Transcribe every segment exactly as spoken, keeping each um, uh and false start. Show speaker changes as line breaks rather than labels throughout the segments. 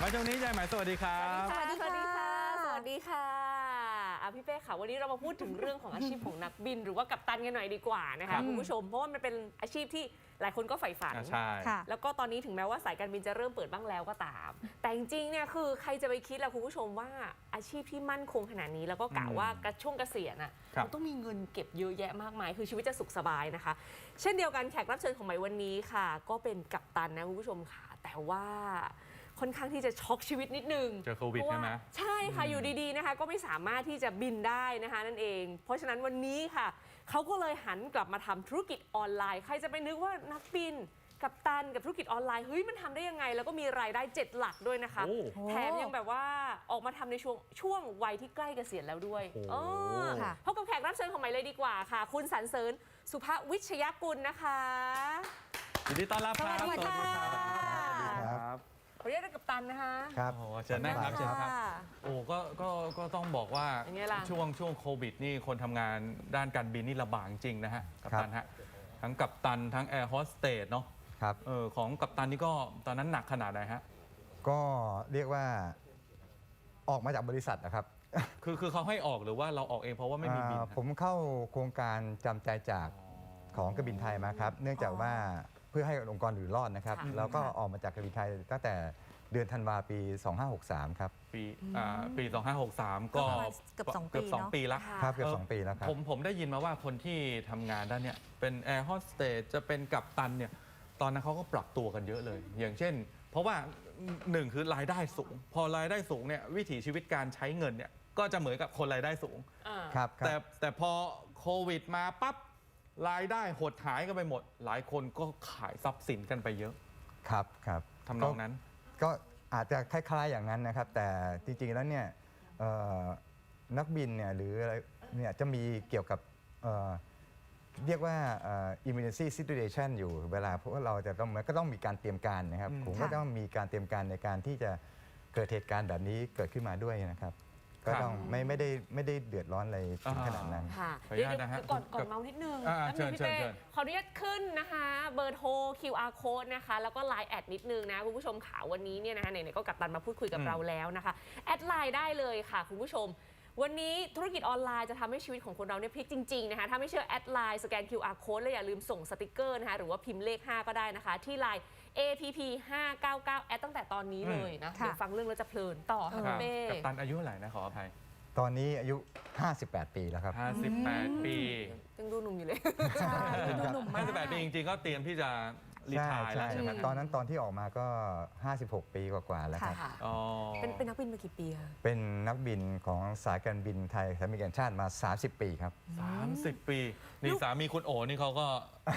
แล้วช่วงนี้ยายหมายสวัสดีครับ
สวัสดีค่ะสวัสดีค่ะอ่ะพี่เป้ค่ะวันนี้เรามาพูดถึงเรื่องของอาชีพของนักบินหรือว่ากัปตันกันหน่อยดีกว่านะคะคุณผู้ชมเพราะว่ามันเป็นอาชีพที่หลายคนก็ใฝ่ฝัน
ใช่
แล้วก็ตอนนี้ถึงแม้ว่าสายการบินจะเริ่มเปิดบ้างแล้วก็ตาม แต่จริงๆเนี่ยคือใครจะไปคิดล่ะคุณผู้ชมว่าอาชีพที่มั่นคงขนาดนี้แล้วก็กะว่ากระช่วงเกษียณอ่ะมันต้องมีเงินเก็บเยอะแยะมากมายคือชีวิตจะสุขสบายนะคะเช่นเดียวกันแขกรับเชิญของใหม่วันนี้ค่ะก็เป็นกัปตันนะคุณผู้ชมค่ะแต่ว่าค่อนข้างที่จะช็อกชีวิตนิดนึง
เจอโควิดใช่ไหม
ใช่ค่ะอยู่ดีๆนะคะก็ไม่สามารถที่จะบินได้นะคะนั่นเองเพราะฉะนั้นวันนี้ค่ะเขาก็เลยหันกลับมาทำธุรกิจออนไลน์ใครจะไปนึกว่านักบินกัปตันกับธุรกิจออนไลน์เฮ้ยมันทำได้ยังไงแล้วก็มีรายได้เจ็ดหลักด้วยนะคะแถมยังแบบว่าออกมาทำในช่วงช่วงวัยที่ใกล้เกษียณแล้วด้วยพบกับแขกรับเชิญของใหม่เลยดีกว่าค่ะคุณสรรเสริญสุภวิชยกุลนะคะ
ยินดีต้อนรับครับ
สวัสดีค่ะ
ครับ
ขอเรียกกัปตันนะคะ
ครับ
โอ้เชิญนั่งครับเชิญครับโอ้ก็ก็ก็ต้องบอกว่าช่วงช่วงโควิดนี่คนทำงานด้านการบินนี่ลำบากจริงนะฮะกัปตันฮะทั้งกัปตันทั้งแอร์โฮสเตสเนาะ
ครับ
เออของกัปตันนี่ก็ตอนนั้นหนักขนาดไหนฮะ
ก็เรียกว่าออกมาจากบริษัทนะครับ
คือคือเขาให้ออกหรือว่าเราออกเองเพราะว่าไม่มีบิน
ผมเข้าโครงการจำใจจากของการบินไทยมาครับเนื่องจากว่าเพื่อให้องค์กรอยู่รอดนะครับแล้วก็ออกมาจากการบินไทยตั้งแต่เดือนธันวาปี สองห้าหกสาม ครับ
ปีอ่าปี สองห้าหกสาม ก็
เกือบสองปี
เกือบสองปีแล้ว
ครับเกือบสองปีแล้วครับ
ผมผมได้ยินมาว่าคนที่ทำงานด้านเนี้ยเป็นแอร์โฮสเตสจะเป็นกัปตันเนี่ยตอนนั้นเขาก็ปรับตัวกันเยอะเลย อย่างเช่น เพราะว่าหนึ่งคือรายได้สูง พอรายได้สูงเนี่ยวิถีชีวิตการใช้เงินเนี่ยก็จะเหมือนกับคนรายได้สูง
ครับ
แต่แต่พอโควิดมาปั๊บรายได้หดหายกันไปหมด หลายคนก็ขายทรัพย์สินกันไปเยอะ
ครับครับ
ทำนองนั้น
ก็อาจจะคล้ายๆอย่างนั้นนะครับแต่จริงๆแล้วเนี่ยนักบินเนี่ยหรืออะไรเนี่ยจะมีเกี่ยวกับเรียกว่า emergency situation อยู่เวลาเพราะว่าเราจะต้องมันก็ต้องมีการเตรียมการนะครับผมก็ต้องมีการเตรียมการในการที่จะเกิดเหตุการณ์แบบนี้เกิดขึ้นมาด้วยนะครับก็ต้องไม่ไม่ได้ไม่ได้เดือดร้อนอะไรถึงขนาดนั้น
ค่ะเดี๋ยวก่อนก่อนเมานิดนึงแล้วมีพี่เป้ขออนุญาตขึ้นนะคะเบอร์โทร คิว อาร์ Code นะคะแล้วก็ ไลน์ แอดนิดนึงนะคุณผู้ชมข่าววันนี้เนี่ยนะคะไหนๆก็กัปตันมาพูดคุยกับเราแล้วนะคะแอดไลน์ได้เลยค่ะคุณผู้ชมวันนี้ธุรกิจออนไลน์จะทำให้ชีวิตของคนเราเนี่ยพลิกจริงๆนะคะถ้าไม่เชื่อแอดไลน์สแกน คิว อาร์ Code แล้วอย่าลืมส่งสติกเกอร์นะคะหรือว่าพิมพ์เลขห้าก็ได้นะคะที่ไลน์ เอ พี พี ห้าเก้าเก้า แอดตั้งแต่ตอนนี้เลยนะเดี๋ยวฟังเรื่องแล้วจะเพลินต่อค่ะเป้
กัปตันอายุเท่าไหร่นะขออภัย
ตอนนี้อายุห้าสิบแปดปีแล้วครับ
ห้าสิบแปดปี
ยังดูหนุ่มอยู่เลย
ใช่ดูหนุ่มมาก
ห้าสิบแปดปีจริงๆก็เตรียมที่จะรีไทร์แล้วใช่ไหม
ตอนนั้นตอนที่ออกมาก็ห้าสิบหกปีกว่าๆแล้วครับ
เป็นเป็นนักบินมากี่ปีคะ
เป็นนักบินของสายการบินไทยสายการบินแห่งชาติมาสามสิบปีครับ
สามสิบปีนี่สามีคุณโอ๋นี่เขาก็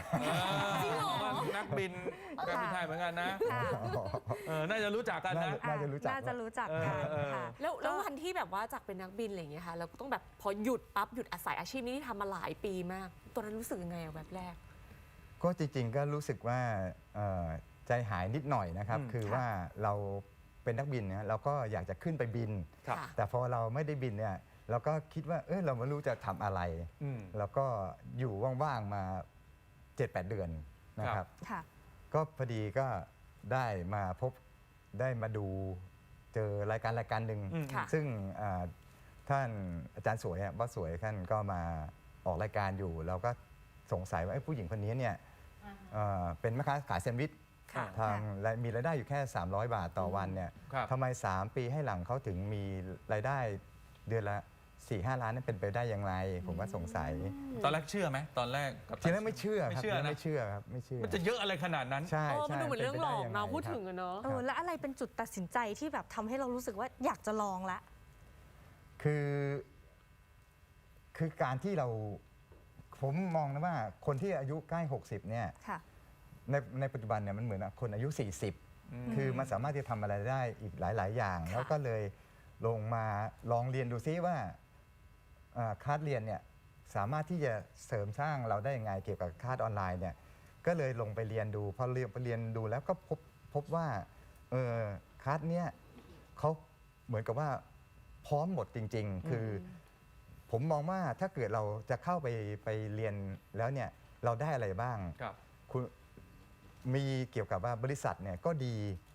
นักบินการบินไทยเหมือนกันนะน่าจะรู้จักกันนะ
น่าจะรู้จัก
น่าจะรู้จักกันค่ะ
แล้วแล้ววันที่แบบว่าจากเป็นนักบินอะไรอย่างเงี้ยค่ะเราก็ต้องแบบพอหยุดปั๊บหยุดอาศัยอาชีพนี้ที่ทำมาหลายปีมากตอนนั้นรู้สึกยังไงอะแบบแรก
ก็จริงๆก็รู้สึกว่าใจหายนิดหน่อยนะครับคือว่าเราเป็นนักบินเนี่ยเราก็อยากจะขึ้นไปบินแต่พอเราไม่ได้บินเนี่ยเราก็คิดว่าเออเราไม่รู้จะทำอะไรแล้วก็อยู่ว่างๆมา เจ็ดแปด เดือนนะครับก็พอดีก็ได้มาพบได้มาดูเจอรายการรายการหนึ่งซึ่งท่านอาจารย์สวยบอสสวยท่านก็มาออกรายการอยู่เราก็สงสัยว่าผู้หญิงคนนี้เนี่ยเป็นแม่ค้าขายแซนด์วิชทางมีรายได้อยู่แค่สามร้อยบาทต่อวันเนี่ยทำไมสามปีให้หลังเขาถึงมีรายได้เดือนละ สี่ห้า ล้านนั่นเป็นไปได้อย่างไรผมก็สงสัย
ตอนแรกเชื่อไหมตอนแรก
ทีแรกไม่เชื่อครับไม่เชื่อครับไม่เชื่อ
มันจะเยอะอะไรขนาดนั้น
ใช่
มันดูเหมือนเรื่องหลอกเนาะพูดถึงอะเนาะ
แล้วอะไรเป็นจุดตัดสินใจที่แบบทำให้เรารู้สึกว่าอยากจะลองละ
คือคือการที่เราผมมองนะว่าคนที่อายุใกล้หกสิบเนี่ยในในปัจจุบันเนี่ยมันเหมือนคนอายุสี่สิบคือมันสามารถที่จะทำอะไรได้อีกหลายๆอย่างแล้วก็เลยลงมาลองเรียนดูซิว่าคลาสเรียนเนี่ยสามารถที่จะเสริมสร้างเราได้ยังไงเกี่ยวกับคลาสออนไลน์เนี่ยก็เลยลงไปเรียนดูพอเรียนไปเรียนดูแล้วก็พบพบว่าเออคลาสเนี้ยเขาเหมือนกับว่าพร้อมหมดจริงๆคือผมมองว่าถ้าเกิดเราจะเข้าไปไปเรียนแล้วเนี่ยเราได้อะไรบ้างคุณมีเกี่ยวกับว่าบริษัทเนี่ยก็ดี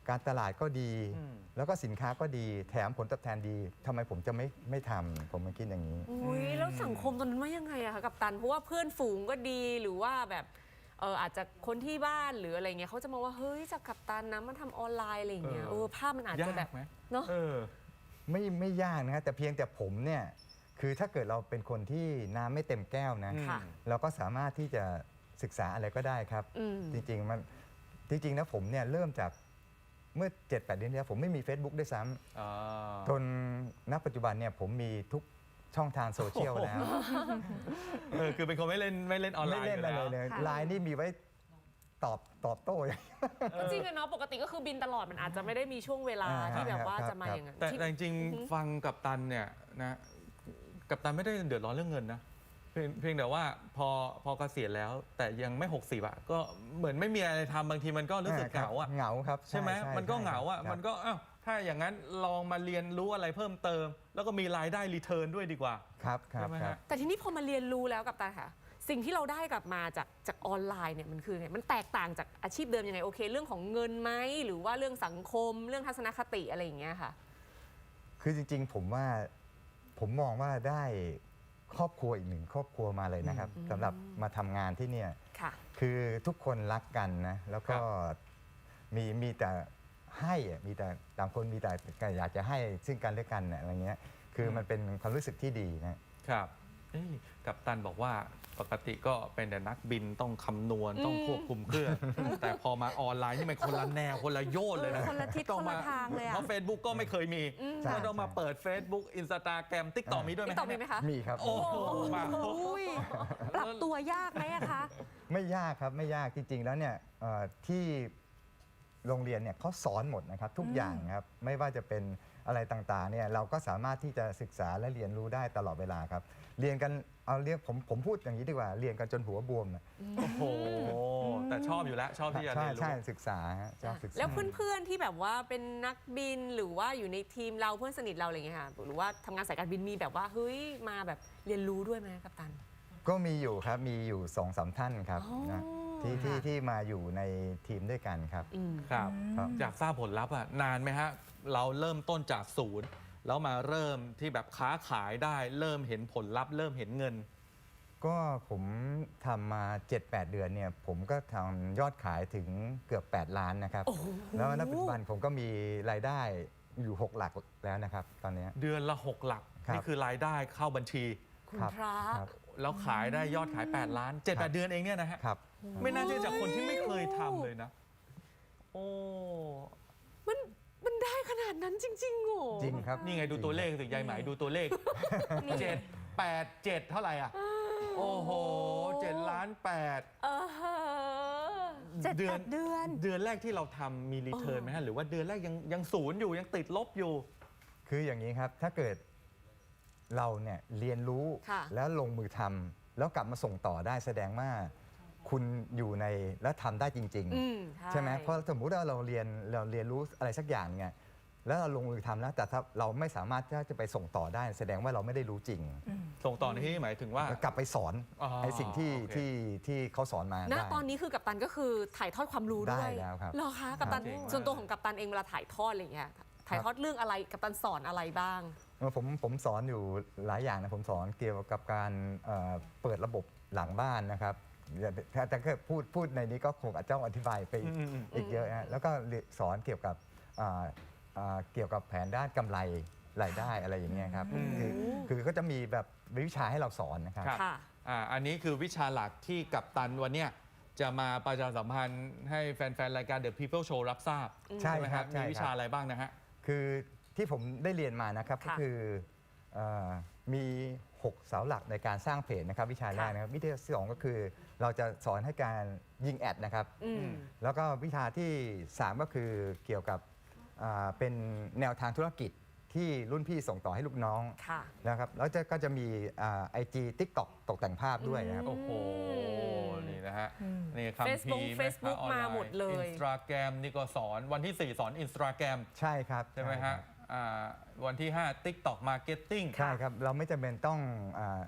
การตลาดก็ดี
อืม
แล้วก็สินค้าก็ดีแถมผลตอบแทนดีทำไมผมจะไม่ไม่ทำผมมาคิดอย่างนี้
อุ้ยแล้วสังคมตอนนั้นว่ายังไงอะคะกัปตันเพราะว่าเพื่อนฝูงก็ดีหรือว่าแบบเอออาจจะคนที่บ้านหรืออะไรเงี้ยเขาจะมองว่าเฮ้ยจากกัปตันนะมันทำออนไลน์อะไรอย่างเงี้ย
เอ
เอ
อ
อภาพมันอาจจะแบบ
ยากไหม
เนาะ
เออ
ไม่ไม่ยากนะฮะแต่เพียงแต่ผมเนี่ยคือถ้าเกิดเราเป็นคนที่น้ำไม่เต็มแก้วนะ
ค่ะ
เราก็สามารถที่จะศึกษาอะไรก็ได้ครับ
อืม
จริงๆมันจริงๆนะผมเนี่ยเริ่มจากเมื่อ เจ็ดแปด เดือนที่แล้วผมไม่มี Facebook ด้วยซ้
อ่า
ำจนณปัจจุบันเนี่ยผมมีทุกช่องทางโซเชียลแล้ว
เออคือเป็นคนไม่เล่นไม่เล่นออนไล
ไม่
น์
เล่นอะไร
อยู่
เลย
ค่ะ
ไลน์นี่มีไว้ตอบตอบโต้
ก็จริงอะเนาะปกติก็คือบินตลอดมันอาจจะไม่ได้มีช่วงเวลา
อ่า
ที่แบบว่า
ครับ
จะมา
ครับ
อย่างนั้น
แต่
ที่
แต่จริง
อือฮึ
ๆฟังกับตันเนี่ยนะกับตันไม่ได้เดือดร้อนเรื่องเงินนะเพียงเพียงแต่ว่าพอพอเกษียณแล้ว แต่ยังไม่หกสิบอะก็เหมือนไม่มีอะไรทำบางทีมันก็รู้สึกเหงาอะ
เหงาครับ
ใช่ไหมมันก็เหงาอะ
ครับ
มันก็อ้าวถ้าอย่างนั้นลองมาเรียนรู้อะไรเพิ่มเติม แล้วก็มีรายได้รีเทิร์นด้วยดีกว่า
ครับครั
ใช่
บ
ไหม
ครั
ฮะ
บ
แต่ทีนี้พอมาเรียนรู้แล้วกับตาค่ะ สิ่งที่เราได้กลับมาจากจากออนไลน์เนี่ยมันคือไงมันแตกต่างจากอาชีพเดิมยังไงโอเค เรื่องของเงินไหมหรือว่าเรื่องสังคมเรื่องทัศนคติอะไรอย่างเงี้ยค่ะ
คือจริงๆ ผมว่าผมมองว่าได้ครอบครัวอีกหนึ่งครอบครัวมาเลยนะครับ
อืม
สำหรับมาทำงานที่เนี่ย
ค่ะ
คือทุกคนรักกันนะแล้วก็
ครับ
มีมีแต่ให้อะมีแต่ต่างคนมีแต่อยากจะให้ซึ่งกันและกันน่ะอะไรเงี้ยคือมันเป็นความรู้สึกที่ดีนะ
ครับเอ้ยกัปตันบอกว่าปกติก็เป็นแต่นักบินต้องคำนวณต้องควบคุมเครื่อง แต่พอมาออนไลน์นี่มันคนละแนวคนละโยชน์เลยนะ
คนละทิศ
ต้อง
คนละทางเลยอะ
เพราะ Facebook ก็ไม่เคยมี
ใช่
ก็ต้องมาเปิด Facebook Instagram TikTok มีด้วยไหม
นี่ตอบมีไหมคะ
มีครับ
โอ้โหมาครบ
อุ้ยปรับตัวยากไหมอะคะ
ไม่ยากครับไม่ยากจริง ๆ แล้วเนี่ยเอ่อที่โรงเรียนเนี่ยเขาสอนหมดนะครับทุกอย่างครับไม่ว่าจะเป็นอะไรต่างๆเนี่ยเราก็สามารถที่จะศึกษาและเรียนรู้ได้ตลอดเวลาครับ เรียนกันเอาเรียกผมผมพูดอย่างนี้ดีกว่าเรียนกันจนหัวบวมอะ
โอ้โห แต่ชอบอยู่แล้วชอบที่จะ
ใช่
เรียนรู้
ใช่ศึกษาฮะชอบศึกษา
แล้วเพื่อนๆที่แบบว่าเป็นนักบินหรือว่าอยู่ในทีมเราเพื่อนสนิทเราอะไรอย่างเงี้ยค่ะหรือว่าทำงานสายการบินมีแบบว่าเฮ้ยมาแบบเรียนรู้ด้วยไหมกัปตัน
ก็มีอยู่ครับมีอยู่สองสามท่านครับ
อ๋อ
นะที่ที่
ค่ะ
ที่มาอยู่ในทีมด้วยกันครับ
อืม
ครับ
ครับ
อยากทราบผลลัพธ์อ่ะนานไหมฮะ เราเริ่มต้นจากศูนย์ แล้วมาเริ่มที่แบบค้าขายได้ เริ่มเห็นผลลัพธ์เริ่มเห็นเงิน
ก็ผมทำมา เจ็ดแปด เดือนเนี่ยผมก็ทำยอดขายถึงเกือบ แปด ล้านนะครับ
โอ้โห
แล้วณปัจจุบันผมก็มีรายได้อยู่ หก หลักแล้วนะครับ ตอนเนี้ย
เดือนละหกหลัก
ครับ
นี่คือรายได้เข้าบัญชี
คุณ
ครับ
พระ
ครับ
แล้วขายได้ยอดขาย แปด ล้าน เจ็ดแปด เดือนเองเนี่ยนะฮะ
ครับ
ไม่น่าเชื่อจากคนที่ไม่เคยทำเลยนะ โอ้
มันมันได้ขนาดนั้นจริงๆโห
จริงครับ
นี่ไงดูตัวเลขสิยายไหมดูตัวเลขเจ็ดแปดเจ็ดเท่าไหร่อ่ะ โอ้โหเจ็ดล้านแปด
เออ
เจ็ดแปดเดือน
เดือนแรกที่เราทำมีรีเทิร์นไหมฮะ หรือว่าเดือนแรกยังยังศูนย์อยู่ยังติดลบอยู่
คืออย่างนี้ครับ ถ้าเกิดเราเนี่ยเรียนรู้
ค่ะ
แล้วลงมือทำแล้วกลับมาส่งต่อได้แสดงว่าคุณอยู่ในแล้วทำได้จริง
อืม
ๆ ใช่ไหมเพราะสมมุติว่าเราเรียนเราเรียนรู้อะไรสักอย่างเนี่ยแล้วเราลงมือทำแล้วแต่ถ้าเราไม่สามารถที่จะไปส่งต่อได้ แสดงว่าเราไม่ได้รู้จริง
ส่งต่อในที่นี้หมายถึงว่า
แล้วกลับไปสอน
อ๋อ
ไอ้สิ่งที่
โอเค
ที่ที่เขาสอนมา
ณ
ได้
ตอนนี้คือกัปตันก็คือถ่ายทอดความรู้ด้วย
ได้แล้วครับ
เหรอคะกัปตัน
เจ๋งมาก
ส่วนตัวของกัปตันเองเวลาถ่ายทอดอะไรอย่างเงี้ยถ่ายทอดเรื่องอะไรกัปตันสอนอะไรบ้าง
เออผมผมสอนอยู่หลายอย่างนะผมสอนเกี่ยวกับการเอ่อเปิดระบบหลังบ้านนะครับถ้าถ้าเกิดพูดพูดในนี้ก็คงอาจจะต้องอธิบายไปอีก
อืมอืม
อีกเยอะฮะแล้วก็สอนเกี่ยวกับอ่าอ่าเกี่ยวกับแผนด้านกำไรรายได้อะไรอย่างเงี้ยครับ
อืม
คือคือก็จะมีแบบวิชาให้เราสอนนะครับ
ครับ
ค่ะ
อ่าอันนี้คือวิชาหลักที่กัปตันวันเนี้ยจะมาประชาสัมพันธ์ให้แฟนๆ รายการ The People Show รับทราบ
ใช่
ไหม
ครับ
มี
ใช่
วิ
ค
ชา
รับ
อะไรบ้างนะฮะ
คือที่ผมได้เรียนมานะครับก็
ค่ะ
คือเออมีหกเสาหลักในการสร้างเพจนะครับวิชาแรกนะครับวิชาที่สองก็คือเราจะสอนให้การยิงแอดนะครับ
อืม
แล้วก็วิชาที่สามก็คือเกี่ยวกับอ่าเป็นแนวทางธุรกิจที่รุ่นพี่ส่งต่อให้ลูกน้อง
ค่ะ
นะครับแล้วจะก็จะมีไอจีทิกตอกตกแต่งภาพด้วยนะครับ
โอ้โห นี่นะฮะ
อืม
นี่คำพี
Facebook Facebook มาหมดเลย
อินสตาแกรมนี่ก็สอนวันที่สี่สอนอินสตาแกรม
ใช่ครับ
ใช่ไหม
ครั
ฮะ
บ
อ่าวันที่ห้า TikTok Marketing
ใช่ครับ เราไม่จำเป็นต้องอา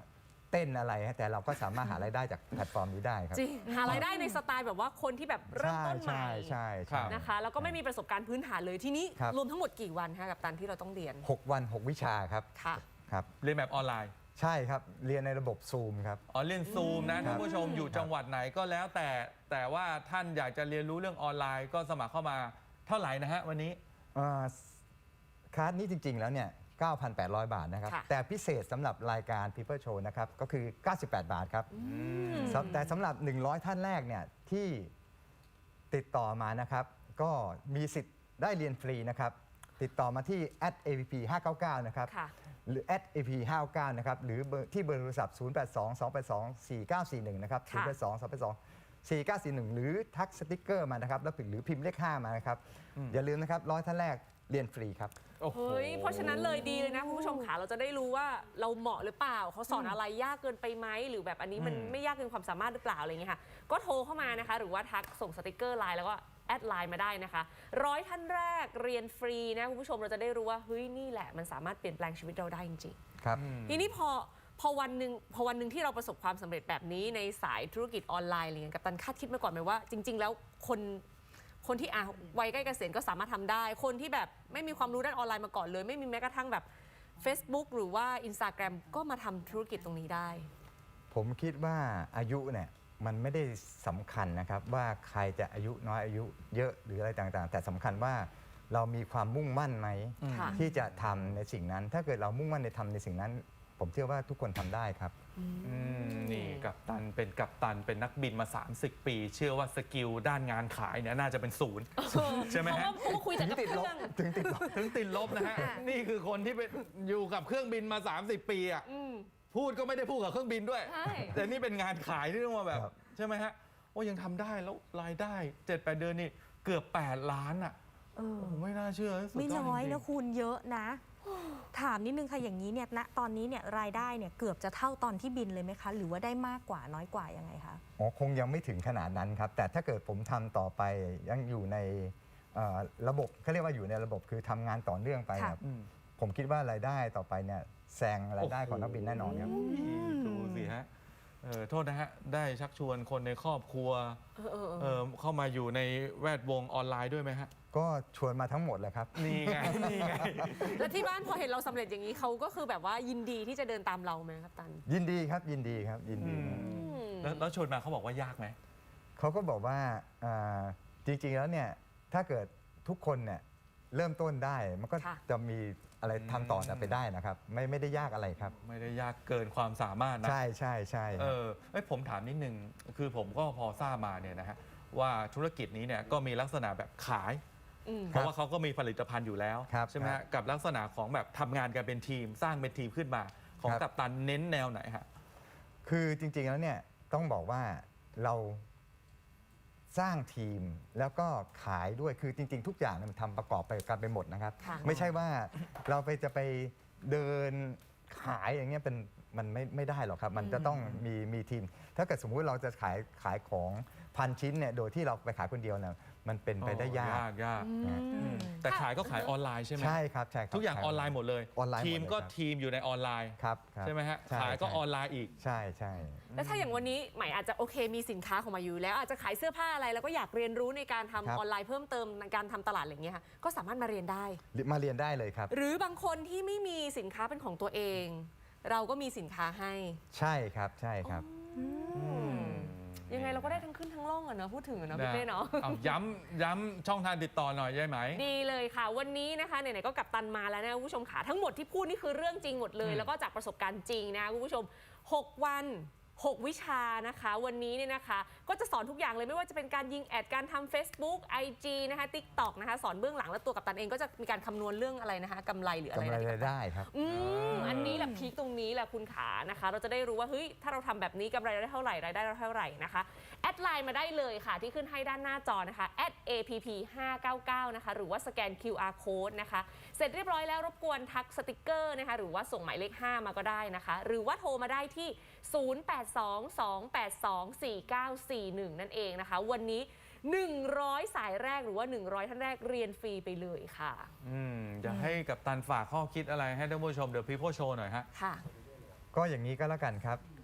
เต้นอะไรฮะแต่เราก็สามารถหารายได้จากแพลตฟอร์มนี้ได้ครับ
จริงหารายได้ในสไตล์แบบว่าคนที่แบบเริ่มต้นใหม่
ใช่ใช่ใช่
นะคะแล้วก็ไม่มีประสบการณ์พื้นฐานเลยทีนี้
ครับ
รวมทั้งหมดกี่วันคะกับตันที่เราต้องเรียน
หกวันหกวิชาครับ
ค่ะ
ครับ
เรียนแบบออนไลน์
ใช่ครับเรียนในระบบซูมครับ
อ๋อเรียนซูมนะ
ครั
ท่า
บ
นผู้ชมอยู่จังหวัดไหนก็แล้วแต่แต่ว่าท่านอยากจะเรียนรู้เรื่องออนไลน์ก็สมัครเข้ามาเท่าไหร่นะฮะวันนี้
เอ่อคลาสนี้จริง ๆ แล้วเนี่ย เก้าพันแปดร้อย บาทนะครับ
ค่ะ
แต่พิเศษสำหรับรายการ People Show นะครับ ก็คือ เก้าสิบแปด บาทครับสำแต่สำหรับ หนึ่งร้อย ท่านแรกเนี่ยที่ติดต่อมานะครับ ก็มีสิทธิ์ได้เรียนฟรีนะครับ ติดต่อมาที่ แอท เอ พี พี ห้าเก้าเก้า นะครับ
ค่ะ
หรือ แอท เอ พี พี ห้าเก้าเก้า นะครับ หรือเบอร์ที่เบอร์โทรศัพท์ ศูนย์ แปด สอง สอง แปด สอง สี่ เก้า สี่ หนึ่ง นะครับ ศูนย์ แปด สอง สอง แปด สอง สี่ เก้า สี่ หนึ่ง หรือทักสติ๊กเกอร์มานะครับ แล้วหรือพิมพ์เลข ห้า มานะครับ อย่าลืมนะครับร้อยท่านแรกเรียนฟรีครับ
โอ้โห
เฮ้ยเพราะฉะนั้นเลยดีเลยนะคุณผู้ชมขาเราจะได้รู้ว่าเราเหมาะหรือเปล่าเขาสอนอะไรยากเกินไปไหมหรือแบบอันนี้มัน
อืม
ไม่ยากเกินความสามารถหรือเปล่าอะไรอย่างเงี้ยค่ะก็โทรเข้ามานะคะ หรือว่าทักส่งสติกเกอร์ไลน์แล้วก็แอดไลน์มาได้นะคะร้อยท่านแรกเรียนฟรีนะคุณผู้ชมเราจะได้รู้ว่าเฮ้ยนี่แหละมันสามารถเปลี่ยนแปลงชีวิตเราได้จริงๆ
ครับ
ทีนี้พอพอวันหนึ่งพอวันหนึ่งที่เราประสบความสำเร็จแบบนี้ในสายธุรกิจออนไลน์อะไรเงี้ยกัปตันคาดคิดมาก่อนไหมว่าจริง ๆ แล้วคนคนที่อ่ะวัยใกล้เกษียณก็สามารถทำได้ คนที่แบบไม่มีความรู้ด้านออนไลน์มาก่อนเลย ไม่มีแม้กระทั่งแบบ Facebook หรือว่า Instagram ก็มาทำธุรกิจตรงนี้ได้
ผมคิดว่าอายุเนี่ยมันไม่ได้สำคัญนะครับว่าใครจะอายุน้อยอายุเยอะหรืออะไรต่างๆ แต่สำคัญว่าเรามีความมุ่งมั่นไหม
ค่ะ
ที่จะทำในสิ่งนั้น ถ้าเกิดเรามุ่งมั่นในทำในสิ่งนั้น ผมเชื่อว่าทุกคนทำได้ครับ
อืมนี่กัปตันเป็นกัปตันเป็นนักบินมา สามสิบ ปี เชื่อว่าสกิลด้านงานขายเนี่ยน่าจะเป็นศูนย์ ใช่ไหมฮะ
เพราะว่าคุยแต่กับเครื่อง
ถึงติดลบ
ถึงติดลบนะฮะ นี่คือคนที่เป็นอยู่กับเครื่องบินมา สามสิบ ปีอ่ะ
อืม
พูดก็ไม่ได้พูดกับเครื่องบินด้วย
ใช่
แต่นี่เป็นงานขายที่ต้องมาแบบ
ครับ
ใช่ไหมฮะโอ้ยังทำได้แล้วรายได้ เจ็ดแปด เดือนนี่เกือบ แปด ล้านอ่ะ
เออ
โอ้ไม่น่าเชื่อสุด
ไม่
ยอด
น้อย
จริงๆ
นะคุณเยอะนะ ถามนิดนึงค่ะอย่างนี้เนี่ยณตอนนี้เนี่ยรายได้เนี่ยเกือบจะเท่าตอนที่บินเลยไหมคะ หรือว่าได้มากกว่าน้อยกว่ายังไงคะ
อ๋อคงยังไม่ถึงขนาดนั้นครับ แต่ถ้าเกิดผมทำต่อไปยังอยู่ในเอ่อระบบเขาเรียกว่าอยู่ในระบบคือทำงานต่อเนื่องไป
ค่ะ
ครับ
อืม
ผมคิดว่ารายได้ต่อไปเนี่ยแซงรายได้ของนักบินแน่นอนครับ
ดูสิฮะเออโทษนะฮะ ได้ชักชวนคนในครอบครัว
เออเออเออ
เออเข้ามาอยู่ในแวดวงออนไลน์ด้วยไหมฮะ
ก็ชวนมาทั้งหมดเลยครับ
นี่ไง นี่ไง
แล้วที่บ้านพอเห็นเราสำเร็จอย่างนี้เขาก็คือแบบว่ายินดีที่จะเดินตามเราไหมครับตัน
ยินดีครับยินดีครับยินดี
อืม แล้วแล้วชวนมาเขาบอกว่ายากไหม
เขาก็บอกว่าอ่าจริงๆแล้วเนี่ยถ้าเกิดทุกคนเนี่ยเริ่มต้นได้ มันก็
ค่ะ
จะมีอะไรทำต่อไปได้นะครับ ไม่ไม่ได้ยากอะไรครับ
ไม่ได้ยากเกินความสามารถนะ
ใช่ใช่ใช่ค
เอ
รับ
อเอ้ยผมถามนิดนึง คือผมก็พอทราบมาเนี่ยนะฮะว่าธุรกิจนี้เนี่ยก็มีลักษณะแบบขาย
อืม
เพราะว่าเขาก็มีผลิตภัณฑ์อยู่แล้ว
ครับ
ใช่ไหม
ครั
ฮะ
บ
กับลักษณะของแบบทำงานกันเป็นทีม สร้างเป็นทีมขึ้นมา ของ
ครับ
กัปตันเน้นแนวไหนฮะ
คือจริงๆแล้วเนี่ยต้องบอกว่าเราสร้างทีมแล้วก็ขายด้วยคือจริง ๆ ทุกอย่างเนี่ยมันทำประกอบไปกันไปหมดนะครับ
ค่ะ
ไม่ใช่ว่าเราไปจะไปเดินขายอย่างเงี้ยเป็นมันไม่ไม่ได้หรอกครับ มันจะต้องมีมีทีม ถ้าเกิดสมมุติเราจะขายขายของพันชิ้นเนี่ยโดยที่เราไปขายคนเดียวเนี่ยมันเป็นไปได้ยาก
ยากยาก
อืม
แต่ขายก็ขายออนไลน์ใช่ไหม
ใช่ครับใช่ครับ
ทุกอย่าง
ข
ออนไลน์หมดเลย
ออนไลน์หมด
ทีม
เลย
ก็
ครับ
ทีมอยู่ในออนไลน์
ครับครับ
ใช่ไหมฮะ
ใช่
ขายก็
ใช่
ออนไลน์อีก
ใช่ใช่
แล้วถ้าอย่างวันนี้ใหม่อาจจะโอเคมีสินค้าของมาอยู่แล้วอาจจะขายเสื้อผ้าอะไรแล้วก็อยากเรียนรู้ในการทำ
ครับ
ออนไลน์เพิ่มเติมในการทำตลาดอะไรอย่างเงี้ยค่ะก็สามารถมาเรียนได้
มาเรียนได้เลยครับ
หรือบางคนที่ไม่มีสินค้าเป็นของตัวเอง เราก็มีสินค้าให้
ใช่ครับใช่ครับ
ยังไงเราก็ได้ทั้งขึ้นทั้งล่องอะเนอะพูดถึงอะเนอะพี่เป้เนาะ
เอาย้ำย้ำช่องทางติดต่อหน่อยได้ไหม
ดีเลยค่ะ วันนี้นะคะไหนๆก็กลับตันมาแล้วนะคุณผู้ชมค่ะทั้งหมดที่พูดนี่คือเรื่องจริงหมดเลย
อืม
แล้วก็จากประสบการณ์จริงนะคุณผู้ชมหกวันหกวิชานะคะ วันนี้เนี่ยนะคะ ก็จะสอนทุกอย่างเลยไม่ว่าจะเป็นการยิงแอดการทำ Facebook ไอ จี นะคะ TikTok นะคะสอนเบื้องหลังแล้วตัวกัปตันเองก็จะมีการคำนวณเรื่องอะไรนะคะกำไรหรืออะไร
กำไร
นะ
รายได้ครับ
อืมอันนี้แหละพีคตรงนี้แหละคุณขานะคะ เราจะได้รู้ว่าเฮ้ยถ้าเราทำแบบนี้กำไรเราได้เท่าไหร่รายได้เราเท่าไหร่นะคะแอดไลน์มาได้เลยค่ะที่ขึ้นให้ด้านหน้าจอนะคะ แอท เอ พี พี ห้าเก้าเก้า นะคะหรือว่าสแกน คิว อาร์ Code นะคะเสร็จเรียบร้อยแล้วรบกวนทักสติกเกอร์นะคะหรือว่าส่งหมายเลขห้ามาก็ได้นะคะหรือว่าโทรมาได้ที่ ศูนย์ แปด สอง สอง แปด สอง สี่ เก้า สี่ หนึ่ง นั่นเองนะคะวันนี้หนึ่งร้อยสายแรกหรือว่าหนึ่งร้อยท่านแรกเรียนฟรีไปเลยค่ะ
อืมจะให้กัปตันฝากข้อคิดอะไรให้ท่านผู้ชมเดี๋ยวพี่โพโชว์หน่อยฮะ
ค่ะ
ก็อย่างนี้ก็แล้วกันครับ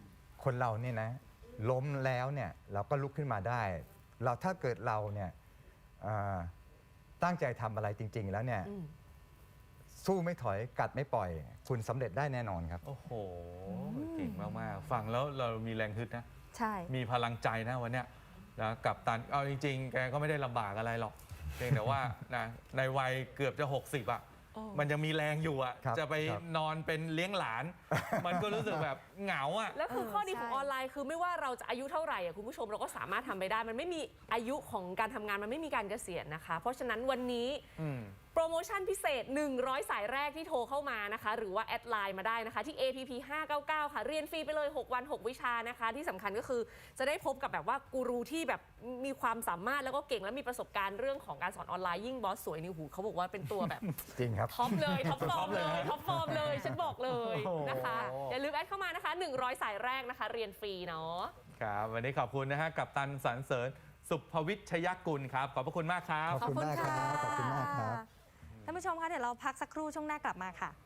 คนเราเนี่ยนะล้มแล้วเนี่ยเราก็ลุกขึ้นมาได้ เราถ้าเกิดเราเนี่ยอ่าตั้งใจทำอะไรจริง ๆ แล้วเนี่ย
อืม
สู้ไม่ถอยกัดไม่ปล่อย คุณสำเร็จได้แน่นอนครับ
โอ้โหเก่งมากๆฟังแล้วเรามีแรงฮึดนะ
ใช่
มีพลังใจนะวันเนี้ยนะกับตันเอาจริงๆ แกก็ไม่ได้ลำบากอะไรหรอกเพียงแต่ว่านะในวัยเกือบจะหกสิบอ่ะ
โอ้
มันยังมีแรงอยู่อ่ะ
ครับ
จะไป
ครับ
นอนเป็นเลี้ยงหลาน มันก็รู้สึกแบบเหงาอ่ะ
แล้วคือ
เออ
ข้อดีของ
ใช่
ออนไลน์คือไม่ว่าเราจะอายุเท่าไหร่อะคุณผู้ชมเราก็สามารถทำไปได้ มันไม่มีอายุของการทำงานมันไม่มีการเกษียณนะคะ เพราะฉะนั้นวันนี้
อืม
โปรโมชั่นพิเศษ หนึ่งร้อย สายแรกที่โทรเข้ามานะคะ หรือว่าแอดไลน์มาได้นะคะ ที่ เอ พี พี ห้าเก้าเก้า ค่ะ เรียนฟรีไปเลย หก วัน หก วิชานะคะ ที่สำคัญก็คือจะได้พบกับแบบว่ากูรูที่แบบมีความสามารถแล้วก็เก่งและมีประสบการณ์เรื่องของการสอนออนไลน์ยิ่งบอสสวยนี่หูเขาบอกว่าเป็นตัวแบบ
จริงครับ
ท็อปเลย ท็อปฟอร์ม
ท็อปเล
เลย ย ท็อปฟอร์มเลย ฉันบอกเลย
โอ้โห
นะคะ อย่าลืมแอดเข้ามานะคะ หนึ่งร้อย สายแรกนะคะ เรียนฟรีเนาะ
ครับ วันนี้ขอบคุณนะฮะกับตันสรรเสริญสุภวิชยกุลครับ ขอบพระคุณมากครับ
ขอบคุณมากครับขอบคุณมากครับ
ท่านผู้ชมคะเดี๋ยวเราพักสักครู่ช่วงหน้ากลับมาค่ะ